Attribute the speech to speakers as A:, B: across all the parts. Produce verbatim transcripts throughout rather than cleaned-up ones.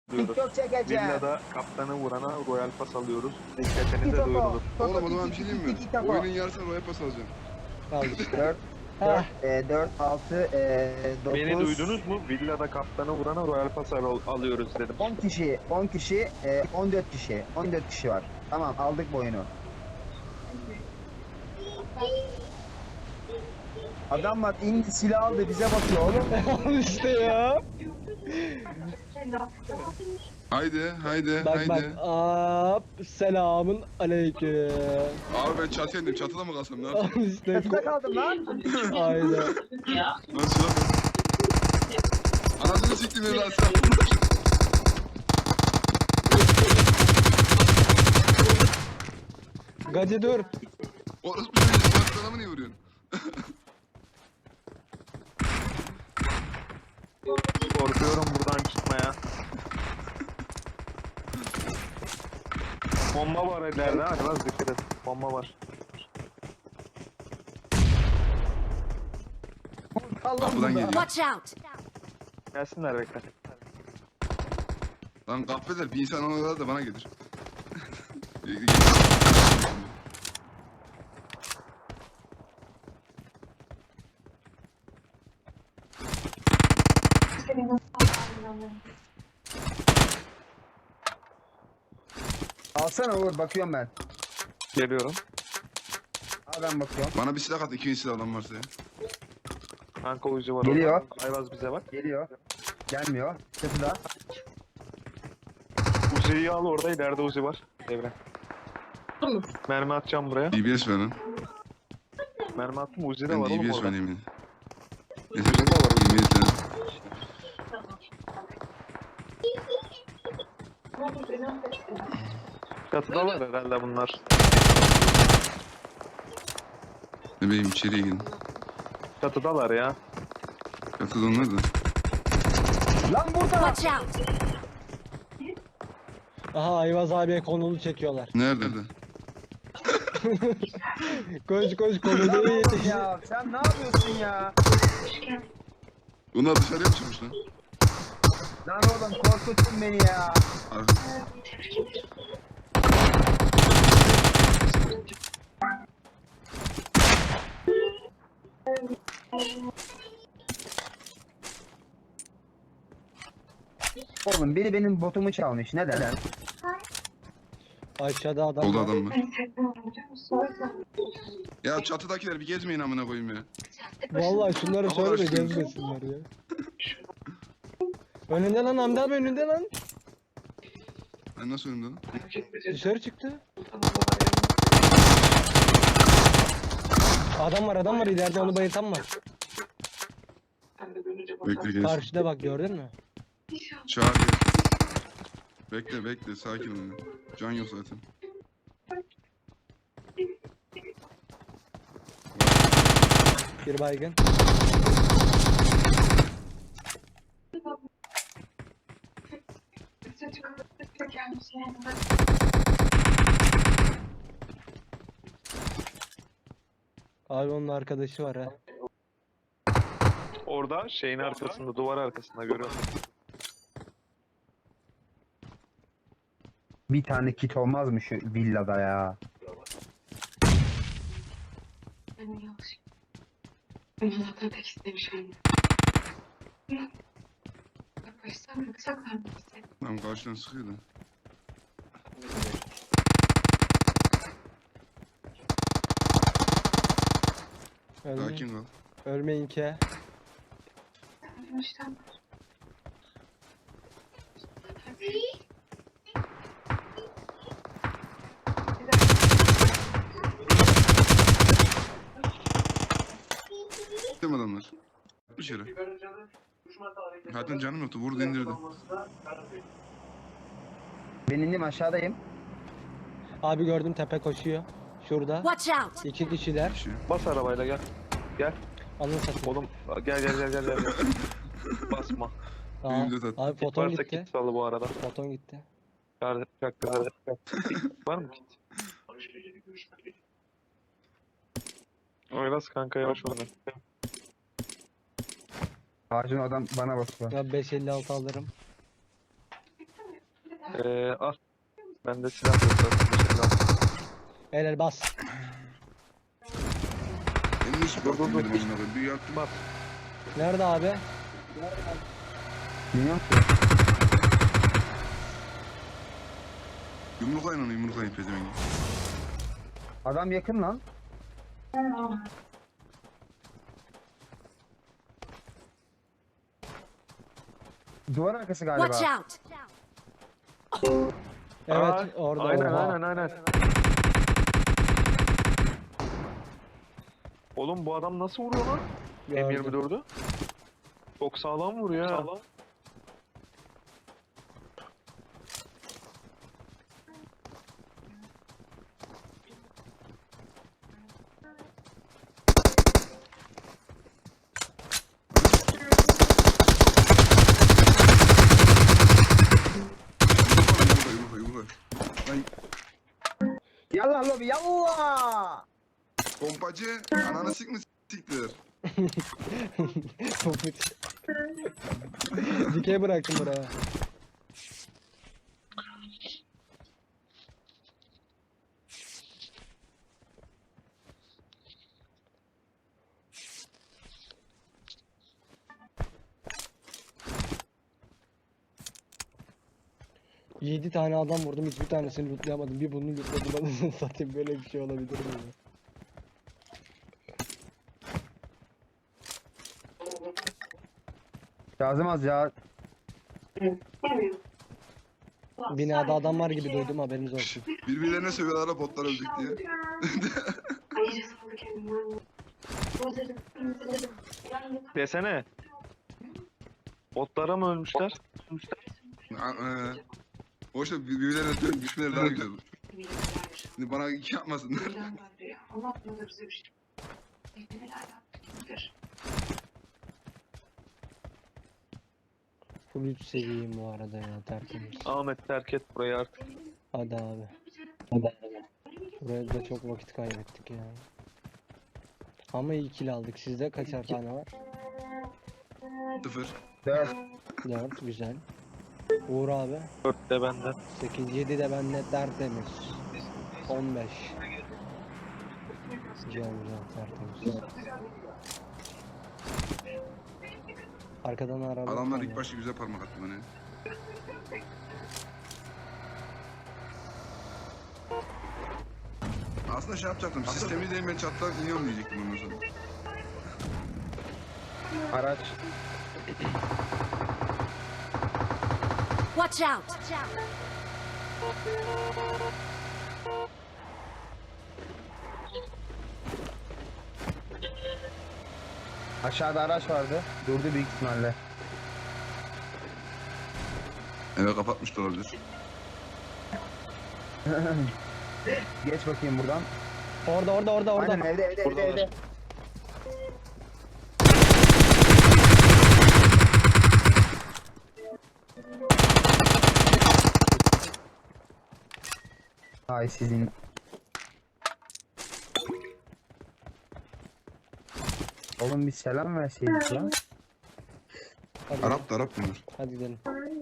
A: diyoruz.
B: TikTok çekeceğim.
A: Villada kaptanı vurana royal pas alıyoruz. Dikkatinize duyurulur.
C: Oğlum o zaman bir şey diyeyim mi?
B: TikTok.
C: Oyunun yarısına roya pas alacağım.
D: Al işte.
B: dört,
D: Heh.
B: dört, altı, dokuz.
A: Beni duydunuz mu? Villada kaptanı vurana royal pas al alıyoruz dedim.
B: on kişi, on kişi, e, on dört kişi. on dört kişi var. Tamam, aldık bu oyunu. Adam var, indi silah aldı, bize bakıyor oğlum.
D: Al işte ya.
C: Haydi haydi
D: Bak
C: haydi.
D: bak. Hop. Selamun aleyküm.
C: Abi ben çatıya indim. Çatıda mı kalsam ne yapayım?
D: Al işte.
B: Çatıda kaldım lan.
D: Aynen.
C: Nasıl lan? Anasını siktim ya lan sen.
D: Gacı dur.
C: Orası bir şey. Sen adamı niye vuruyorsun?
A: Korkuyorum buradan çıkmaya. Bomba var ileride. Hadi biraz dikkat et. Bomba var.
C: Kapıdan geliyor.
E: Watch out!
A: Gelsinler bekle.
C: Lan kahveder bir insan ona da bana gelir.
B: Alsana Uğur, bakıyorum ben.
A: Geliyorum.
B: Al ben bakıyorum.
C: Bana bir silah at. İkinci silah adam varsa ya.
A: Kanka uyucu var.
B: Geliyor.
A: orada. Ayvaz bize bak.
B: Geliyor. Gelmiyor. Çatıda.
A: Uzi'yi al orada. İleride Uzi var. Devre. Mermi atacağım buraya.
C: D B S ver lan.
A: Mermi attım. Uzi de
C: Ben
A: var
C: D
A: oğlum
C: B S
A: orada.
C: ver yemin. Yeter. Yemin et
A: Çatıdalar herhalde bunlar.
C: Ne bileyim içeriye girin.
A: Çatıdalar ya.
C: Çatıda onlar da.
B: Lan burada.
E: Watch out!
D: Aha Ayvaz abiye konulu çekiyorlar.
C: Nerede?
D: Koş koş
B: Lan
D: konulu
B: oğlum
D: yetiş.
B: ya, sen ne yapıyorsun ya?
C: Onlar dışarıya mı çıkmış lan?
B: Lan oğlum korkuttun beni ya.
C: Arka.
B: Oğlum biri benim botumu çalmış. Neden?
D: Aşağıda adam
C: Solda
D: var.
C: adam var. Ya çatıdakiler bir gezmeyin amına koyayım ya.
D: Vallahi şunları
C: Ama
D: söyle de
C: açtım.
D: gezmesinler ya. Önünde lan Hamdi abi önünde lan.
C: Ben nasıl önümde lan?
D: Dışarı çıktı. Adam var adam var ileride onu bayıltan var.
C: Bekle gelsin.
D: Karşıda bak gördün mü?
C: Çağır gel. Bekle bekle sakin ol. ya. Can yok zaten.
D: Bir baygın. Abi onun arkadaşı var ha.
A: Orada şeyin arkasında, duvar arkasında görüyorum.
B: Bir tane kit olmaz mı şu villada ya?
F: Ben yanlış. Ben zaten tek istemişim. Baştan mı kısaklar mı istedim?
C: Tamam karşıdan sıkıyor da.
D: Ölmeyin,
C: Sakin kal.
D: ölmeyin ki.
F: Baştan.
C: Gittim adamlar. Bir yere. Zaten canım yoktu. Vurdu indirdi.
B: Ben indim aşağıdayım.
D: Abi gördüm tepe koşuyor. Şurada.
E: Watch out!
D: İki kişiler.
C: Bir şey.
A: Bas arabayla gel. Gel.
D: Alın satın.
A: Oğlum gel gel gel gel gel. gel. Basma.
D: Aa,
C: Benim de tat-
D: abi foton
A: Varsa
D: gitti.
A: kit salı bu arada.
D: Foton gitti.
A: Çağır, çaktır, hadi. Var mı kit? Oylas kanka yavaş oyna.
B: Ağacın adam bana bakıyor.
D: Ya beş elli altı alırım.
A: Ee, al. Bende silah yok zaten. Teşekkür ederim.
D: Helal bas.
C: Benim hiç
A: Dur, dur,
C: bakmıyorum
A: dur.
C: amına koyayım. Bir yaktım.
A: Bas.
D: Nerede abi?
B: Bilmiyorum ki.
C: Yumruk aynen yumruk aynen pezevengi.
B: Adam yakın lan. Duvar arkası galiba.
E: Watch out!
D: Evet
A: Aa,
D: orada.
A: Aynen
D: oha.
A: aynen aynen. Oğlum bu adam nasıl vuruyor lan? M
D: Gördüm.
A: yirmi dördü. Çok sağlam vuruyor ha. Sağlam.
C: Yumruk yumruk yumruk. Lan
B: Yallah lobi yallah.
C: pompacı ananı sik mi siktir?
D: Topuk. Dikey bıraktım buraya. Yedi tane adam vurdum, hiçbir tanesini lootlayamadım. Bir bunu lootladım, anasını satayım. Böyle bir şey olabilir mi ya?
B: Lazım az ya.
D: Binada adam var gibi duydum, haberiniz olsun.
C: Birbirlerine sövüyorlar botlar öldük diye.
F: Hayır, sağlık kendimden. Gözlerim, gözlerim. Yani
A: Desene. Botlara mı ölmüşler?
C: Eee. O işte birbirlerine dön düşmeleri daha güzel olur. Şimdi bana iki yapmasınlar.
F: Allah bize bize bir şey. Neler yaptık?
D: Full üç seviyeyim bu arada ya, tertemiz.
A: Ahmet terk et burayı artık.
D: Hadi abi. Hadi abi. Buraya da çok vakit kaybettik ya. Ama iyi kill aldık. Sizde kaçar tane var?
C: Sıfır.
B: Dört.
D: dört, güzel. Uğur abi.
A: dört de benden.
D: sekiz, yedi de bende tertemiz. on beş. Güzel güzel tertemiz. Arkadan araba.
C: Adamlar
D: geliyor.
C: ilk başta güzel parmak attı bana. Aslında şey yapacaktım. Sistemi de ben çatlar iniyorum diyecektim ondan sonra.
B: Araç.
E: Watch out!
B: Aşağıda araç vardı. Durdu büyük ihtimalle.
C: Evet kapatmış da olabilir.
B: Geç bakayım buradan.
D: Orada orada orada orada.
B: Aynen evde evde evde
A: Buradalar.
B: evde. Ay sizin. Oğlum bir selam verseydik ya.
D: Hadi,
C: Arap da Arap bunlar.
D: hadi gidelim.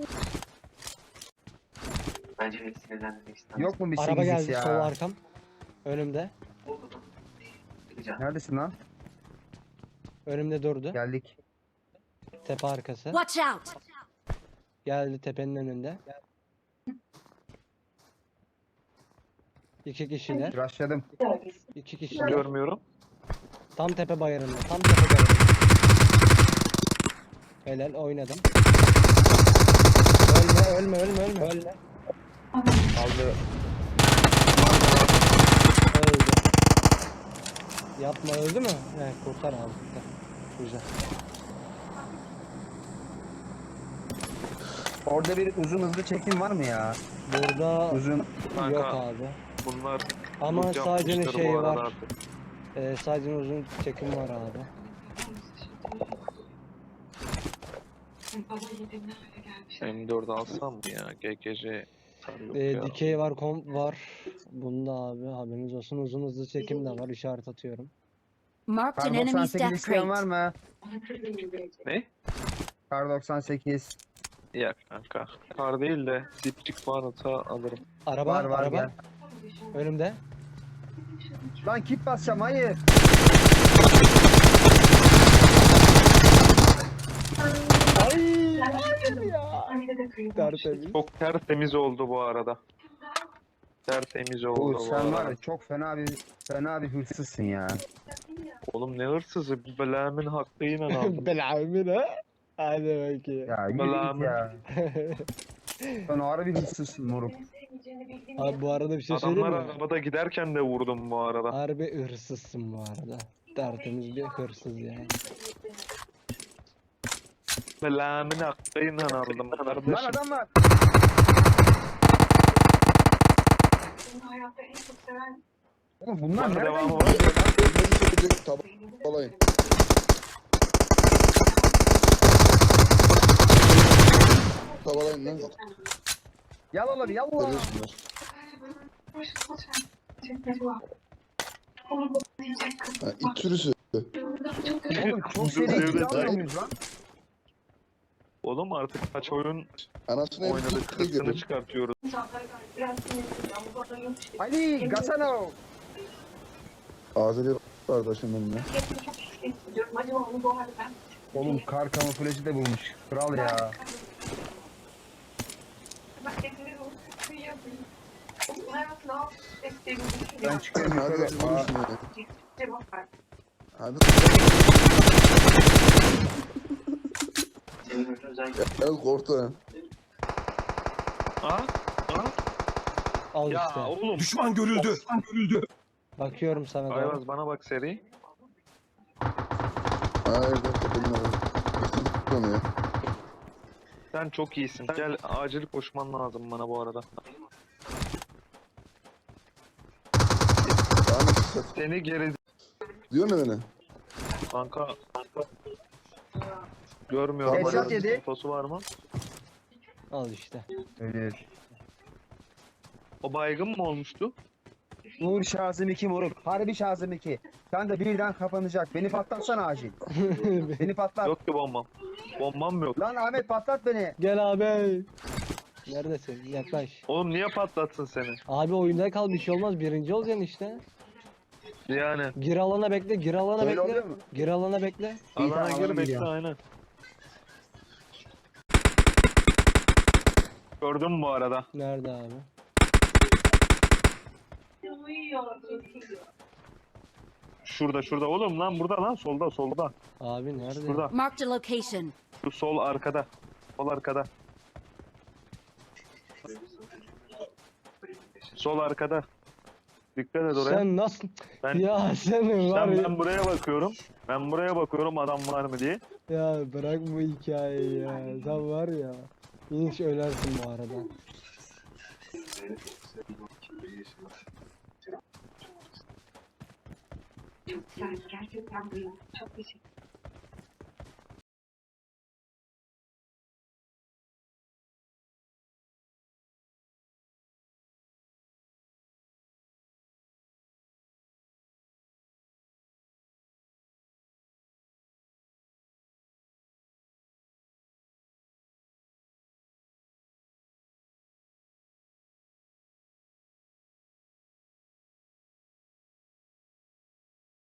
F: Bence beni sinirlendirmek istemem.
B: Yok mu bir
D: Araba
B: sekiz
D: geldi,
B: ya?
D: sol arkam. Önümde.
B: Neredesin lan?
D: Önümde durdu.
B: Geldik.
D: Tepe arkası.
E: Watch out!
D: Geldi tepenin önünde. İki kişiler.
B: Rushladım.
D: İki kişiler.
A: Görmüyorum.
D: Tam tepe bayırında. Tam tepe bayırında. Helal, oynadım. Ölme ölme ölme ölme. Ölme.
B: Aldı.
D: Öldü. Yapma, öldü mü? He, kurtar abi, kurtar. Güzel.
B: Orada bir uzun hızlı çekim var mı ya?
D: Burada
B: Uzun.
A: Kanka,
D: yok abi.
A: Bunlar
D: Ama
A: loot
D: sadece
A: yapmıştır
D: şey
A: bu arada
D: var.
A: artık.
D: Ee, sadece uzun çekim var abi.
F: Baba yedim ne hale gelmiş.
A: M dört alsam mı ya? G G C. Yok
D: Ee,
A: ya.
D: dikey var, komp var. Bunda abi haberiniz olsun, uzun hızlı çekim de var, işaret atıyorum.
E: Marked an
B: Kar
E: enemy's
B: doksan sekiz
E: death
B: isteyen var
E: crate.
B: mı?
A: Ne?
B: Kar doksan sekiz.
A: Ya kanka. Kar değil de dipçik varsa alırım.
D: Araba,
B: Var, var,
D: araba.
B: gel.
D: Önümde.
B: Lan kit basacağım, hayır.
D: Ay, hayır ya. Tertemiz.
A: Çok tertemiz oldu bu arada. Tertemiz oldu
B: Oğuz
A: bu
B: sen var
A: arada.
B: ya çok fena bir fena bir hırsızsın ya.
A: Oğlum ne hırsızı? Belamın hakkıyla aldım.
D: Belamin ha. Hadi bakayım.
B: Ya yürü
A: Vallahi
B: git
A: mi?
B: ya. Sen ağır bir hırsızsın moruk.
D: Abi bu arada bir şey söyleyeyim
A: Adamlar
D: mi?
A: arabada giderken de vurdum bu arada.
D: Harbi hırsızsın bu arada. Tertemiz bir hırsız yani.
A: Belamın hakkıyla aldım
B: Lan
A: kardeşim.
B: adam var.
F: Hayatta en çok seven
B: Oğlum bunlar
A: Var mı
B: nereden
A: devamı
B: gidiyor?
A: var?
C: Önümüzü söyleyecek tabalayın. Tabalayın lan.
B: Yallah bir yallah.
C: Görüyorsunlar. Ha, it sürüsü.
B: Oğlum çok seri ikili almıyor muyuz lan?
A: Oğlum artık kaç oyun
C: Anasını hep
A: oynadık,
C: tuttu
A: hırsını
C: gibi.
A: çıkartıyoruz.
B: Ali Gasano.
C: Azeri kardeşim benim ya.
B: Oğlum kar kamuflajı da bulmuş. Kral ya. Ben çıkıyorum
C: Hadi
B: yukarı.
C: hadi
B: Aa,
C: vurursun ya. Hadi. Gel korktu ha.
A: Ha? Ha?
D: Al
A: Ya
D: işte.
A: oğlum.
E: Düşman görüldü. Görüldü.
D: Bakıyorum sana doğru.
A: Ayvaz bana bak seri.
C: Hayır dakika bilmiyorum. Kesin tuttum ya.
A: Sen çok iyisin. Gel acil koşman lazım bana bu arada.
C: Ahmet sat.
A: Seni geri
C: Diyor mu beni?
A: kanka. Görmüyorum.
B: Headshot
A: Hala
B: yedi.
A: fotosu var mı?
D: Al işte.
B: Evet.
A: O baygın mı olmuştu?
B: Nur Şazım iki moruk. Harbi Şazım iki. Kanka birden kapanacak. Beni patlatsana acil. Beni patlat.
A: Yok ki bombam. Bombam yok.
B: Lan Ahmet patlat beni.
D: Gel abi. Neredesin? Yaklaş.
A: Oğlum niye patlatsın seni?
D: Abi oyunda kal, bir şey olmaz. Birinci olacaksın işte.
A: Yani
D: Gir alana bekle. Gir alana
B: Öyle
D: bekle.
B: oluyor mu?
D: Gir alana bekle.
B: İyi,
A: alana
B: tamam,
A: gir
B: alana
A: bekle
B: gidiyorum.
A: aynen. Gördüm bu arada.
D: Nerede abi?
A: Şurada şurada oğlum lan burada lan solda solda.
D: Abi nerede?
A: Şurada.
G: Marked a location.
A: Şu sol arkada. Sol arkada. Sol arkada. Dikkat et oraya.
D: Sen nasıl?
A: Ben
D: Ya senin var
A: ben,
D: ya.
A: ben buraya bakıyorum. Ben buraya bakıyorum adam var mı diye.
D: Ya bırak bu hikayeyi ya. Sen var ya. Hiç ölersin bu arada.
F: Çok güzel. Gerçekten bu. Çok teşekkür